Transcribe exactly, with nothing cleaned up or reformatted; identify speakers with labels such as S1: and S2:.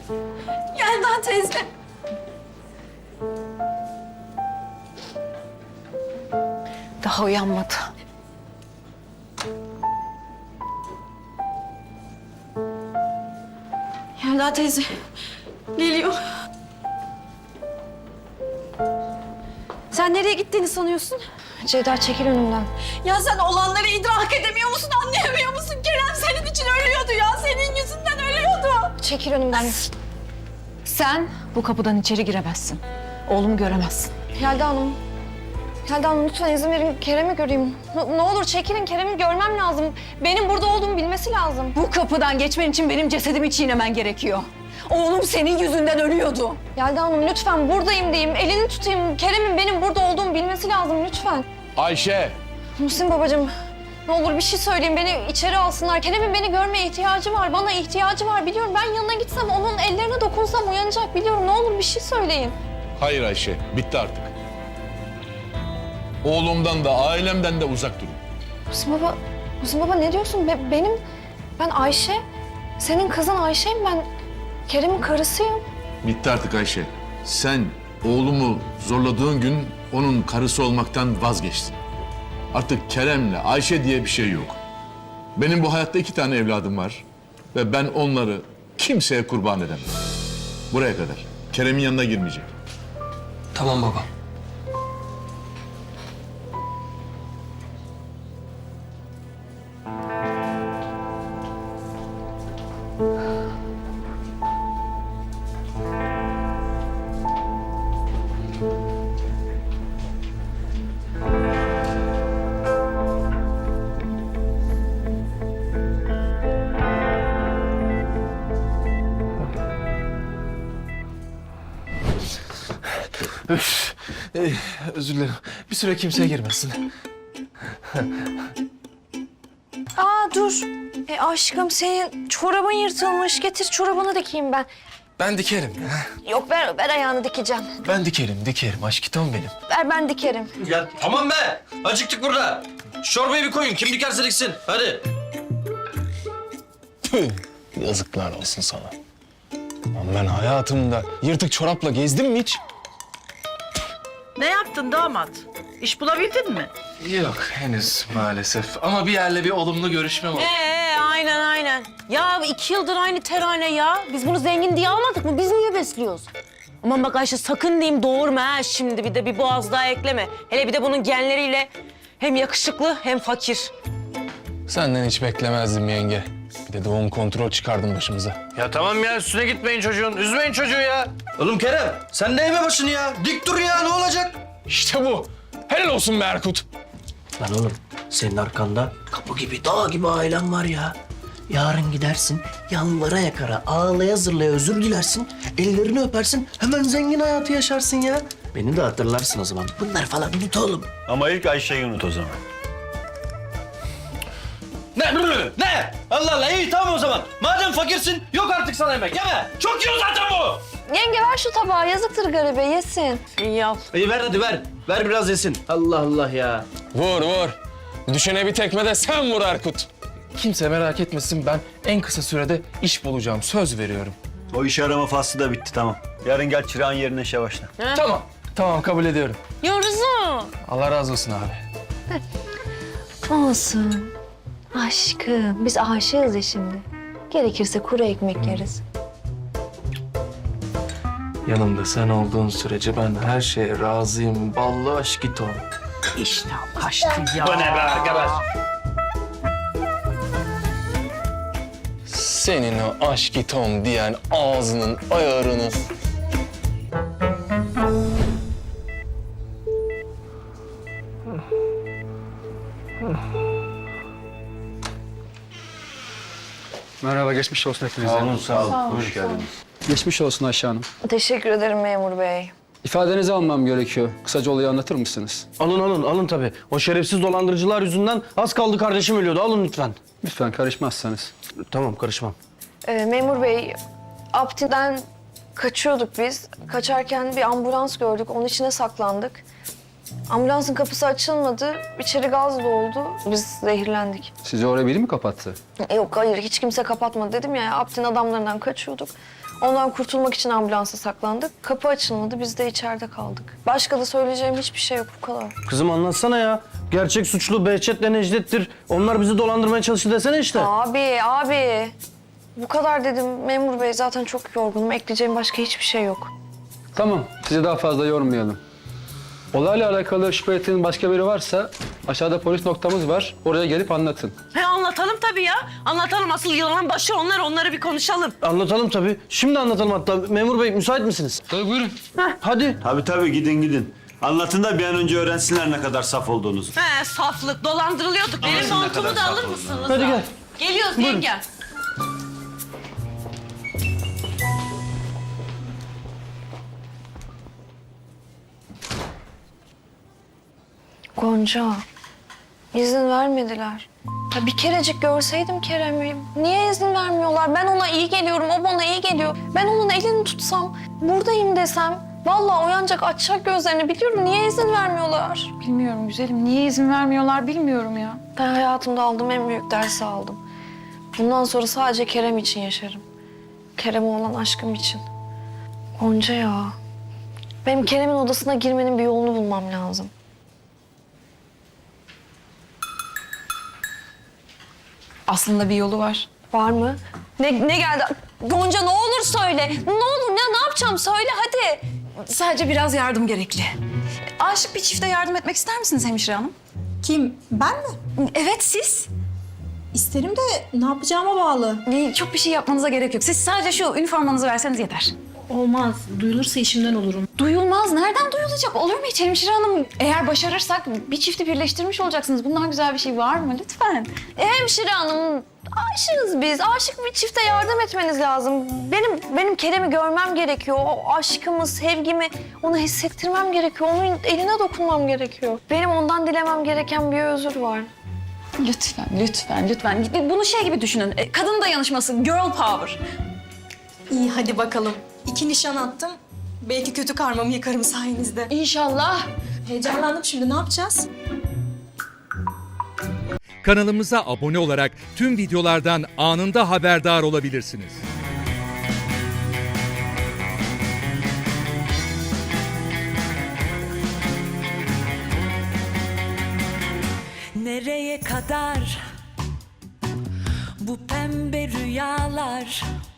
S1: Yelda teyze.
S2: Daha uyanmadı.
S1: Yelda teyze. Geliyor. Sen nereye gittiğini sanıyorsun?
S2: Ceyda çekil önümden.
S1: Ya sen olanları idrak edemiyor musun, anlayamıyor musun? Kerem senin için ölüyordu ya, senin yüzünden ölüyordu.
S2: Çekil önümden. Sen bu kapıdan içeri giremezsin. Oğlumu göremezsin. Yelda Hanım. Yelda Hanım lütfen izin verin Kerem'i göreyim. Ne, ne olur çekilin, Kerem'i görmem lazım. Benim burada olduğumu bilmesi lazım.
S1: Bu kapıdan geçmen için benim cesedimi çiğnemen gerekiyor. Oğlum senin yüzünden ölüyordu.
S2: Yelda Hanım lütfen buradayım diyeyim, elini tutayım. Kerem'in benim burada olduğumu bilmesi lazım lütfen.
S3: Ayşe!
S2: Muhsin babacığım, ne olur bir şey söyleyin, beni içeri alsınlar. Kerem'in beni görmeye ihtiyacı var, bana ihtiyacı var biliyorum. Ben yanına gitsem, onun ellerine dokunsam uyanacak biliyorum. Ne olur bir şey söyleyin.
S3: Hayır Ayşe, bitti artık. Oğlumdan da ailemden de uzak durun.
S2: Muhsin baba, Muhsin baba ne diyorsun? Be- benim, ben Ayşe, senin kızın Ayşe'yim ben. Kerem'in karısıyım.
S3: Bitti artık Ayşe. Sen oğlumu zorladığın gün onun karısı olmaktan vazgeçtin. Artık Kerem'le Ayşe diye bir şey yok. Benim bu hayatta iki tane evladım var. Ve ben onları kimseye kurban edemem. Buraya kadar. Kerem'in yanına girmeyecek.
S4: Tamam baba. Üf, ee, özür dilerim. Bir süre kimseye girmesin.
S2: Aa dur. E aşkım senin çorabın yırtılmış. Getir çorabını dikeyim ben.
S4: Ben dikerim ya.
S2: Yok ver, ver ayağını dikeceğim.
S4: Ben dikerim, dikerim. Aşkitom benim.
S2: Ver ben dikerim.
S5: Ya tamam be! Acıktık burada. Şu çorbayı bir koyun. Kim dikerse diksin. Hadi.
S4: Tüh, yazıklar olsun sana. Lan ben hayatımda yırtık çorapla gezdim mi hiç?
S6: Ne yaptın damat? İş bulabildin mi?
S4: Yok henüz maalesef. Ama bir yerle bir olumlu görüşmem oldu.
S6: Ee, aynen aynen. Ya iki yıldır aynı terane ya. Biz bunu zengin diye almadık mı? Biz niye besliyoruz? Aman bak Ayşe sakın diyeyim doğurma ha şimdi bir de bir boğaz daha ekleme. Hele bir de bunun genleriyle hem yakışıklı hem fakir.
S4: Senden hiç beklemezdim yenge. Bir de doğum kontrol çıkardın başımıza.
S5: Ya tamam ya üstüne gitmeyin çocuğun. Üzmeyin çocuğu ya. Oğlum Kerem sen de eğme başını ya. Dik dur ya ne olacak?
S4: İşte bu. Helal olsun be Erkut.
S7: Lan oğlum senin arkanda kapı gibi dağ gibi ailen var ya. Yarın gidersin yalvara yakara ağlaya zırlaya özür dilersin. Ellerini öpersin hemen zengin hayatı yaşarsın ya. Beni de hatırlarsın o zaman. Bunlar falan unut oğlum.
S5: Ama ilk Ayşe'yi unut o zaman. Ne? Ne? Allah Allah iyi tamam o zaman. Madem fakirsin yok artık sana yemek yeme. Çok yiyor zaten bu.
S2: Yenge ver şu tabağı. Yazıktır garibe yesin.
S6: İyi al.
S5: İyi ver hadi ver. Ver biraz yesin. Allah Allah ya.
S4: Vur vur. Düşene bir tekme de sen vur Erkut. Kimse merak etmesin, ben en kısa sürede iş bulacağım. Söz veriyorum.
S8: O iş arama faslı da bitti tamam. Yarın gel çırağın yerine işe başla.
S4: Tamam. Tamam kabul ediyorum.
S6: Yoruzu.
S4: Allah razı olsun abi.
S2: Olsun. Aşkım biz aşığız ya şimdi. Gerekirse kuru ekmek yeriz.
S4: Yanımda sen olduğun sürece ben her şeye razıyım. Ballı aşkitom.
S6: İşte kaçtı ya.
S5: Bu ne be arkadaş?
S4: Senin o aşkitom diyen ağzının ayarını.
S9: Merhaba, geçmiş olsun hepinize.
S8: Sağ olun sağ olun. Hoş geldiniz.
S9: Geçmiş olsun Ayşe Hanım.
S2: Teşekkür ederim memur bey.
S9: İfadenizi almam gerekiyor. Kısaca olayı anlatır mısınız?
S5: Alın alın alın tabii. O şerefsiz dolandırıcılar yüzünden az kaldı kardeşim ölüyordu. Alın lütfen.
S9: Lütfen karışmazsanız.
S5: Tamam karışmam.
S2: Ee, memur bey, Apti'den kaçıyorduk biz. Kaçarken bir ambulans gördük, onun içine saklandık. Ambulansın kapısı açılmadı, içeri gaz doldu, biz zehirlendik.
S9: Sizi oraya biri mi kapattı?
S2: Yok hayır, hiç kimse kapatmadı dedim ya, Apti'nin adamlarından kaçıyorduk. Ondan kurtulmak için ambulansa saklandık. Kapı açılmadı, biz de içeride kaldık. Başka da söyleyeceğim hiçbir şey yok, bu kadar.
S7: Kızım anlatsana ya. Gerçek suçlu Behçet'le Necdet'tir. Onlar bizi dolandırmaya çalıştı desene işte.
S2: Abi, abi. Bu kadar dedim memur bey, zaten çok yorgunum. Ekleyeceğim başka hiçbir şey yok.
S9: Tamam, sizi daha fazla yormayalım. Olayla alakalı şüphe ettiğiniz başka biri varsa aşağıda polis noktamız var. Oraya gelip anlatın.
S6: He anlatalım tabii ya. Anlatalım asıl yılanın başı onlar, onları bir konuşalım.
S7: Anlatalım tabii. Şimdi anlatalım hatta. Memur bey müsait misiniz?
S9: Tabii buyurun.
S7: Hadi.
S8: Tabii tabii gidin gidin. Anlatın da bir an önce öğrensinler ne kadar saf olduğunuzu.
S6: He saflık, dolandırılıyorduk. Benim
S8: siz ne
S6: montumu
S8: kadar
S6: da
S8: saf
S6: alır
S8: oldunuz.
S6: mısınız?
S7: Hadi
S6: ya?
S7: gel.
S6: Geliyoruz yenge.
S2: Gonca, izin vermediler. Ya bir kerecik görseydim Kerem'i. Niye izin vermiyorlar? Ben ona iyi geliyorum, o bana iyi geliyor. Ben onun elini tutsam, buradayım desem... Vallahi uyanacak, açacak gözlerini biliyorum. Niye izin vermiyorlar?
S1: Bilmiyorum güzelim. Niye izin vermiyorlar bilmiyorum ya.
S2: Ben hayatımda aldığım en büyük dersi aldım. Bundan sonra sadece Kerem için yaşarım. Kerem'e olan aşkım için. Gonca ya. Benim Kerem'in odasına girmenin bir yolunu bulmam lazım.
S1: Aslında bir yolu var.
S2: Var mı? Ne, ne geldi? Gonca ne olur söyle. Ne olur ne, ne yapacağım söyle hadi.
S1: Sadece biraz yardım gerekli. Aşık bir çifte yardım etmek ister misiniz hemşire hanım?
S10: Kim? Ben mi?
S1: Evet siz.
S10: İsterim de ne yapacağıma bağlı.
S1: Değil, çok bir şey yapmanıza gerek yok. Siz sadece şu üniformanızı verseniz yeter.
S10: Olmaz. Duyulursa işimden olurum.
S1: Duyulmaz. Nereden duyulacak? Olur mu hiç hemşire hanım? Eğer başarırsak bir çifti birleştirmiş olacaksınız. Bundan güzel bir şey var mı? Lütfen.
S2: E, hemşire hanım, aşığız biz. Aşık bir çifte yardım etmeniz lazım. Benim benim Kerem'i görmem gerekiyor. O aşkımı, sevgimi ona hissettirmem gerekiyor. Onun eline dokunmam gerekiyor. Benim ondan dilemem gereken bir özür var.
S1: Lütfen, lütfen, lütfen. Bunu şey gibi düşünün. e, Kadın dayanışması, girl power.
S10: İyi hadi bakalım. İki nişan attım. Belki kötü karmamı yıkarım sayenizde.
S1: İnşallah.
S10: Heyecanlandım şimdi. Ne yapacağız?
S11: Kanalımıza abone olarak tüm videolardan anında haberdar olabilirsiniz.
S12: Nereye kadar bu pembe rüyalar?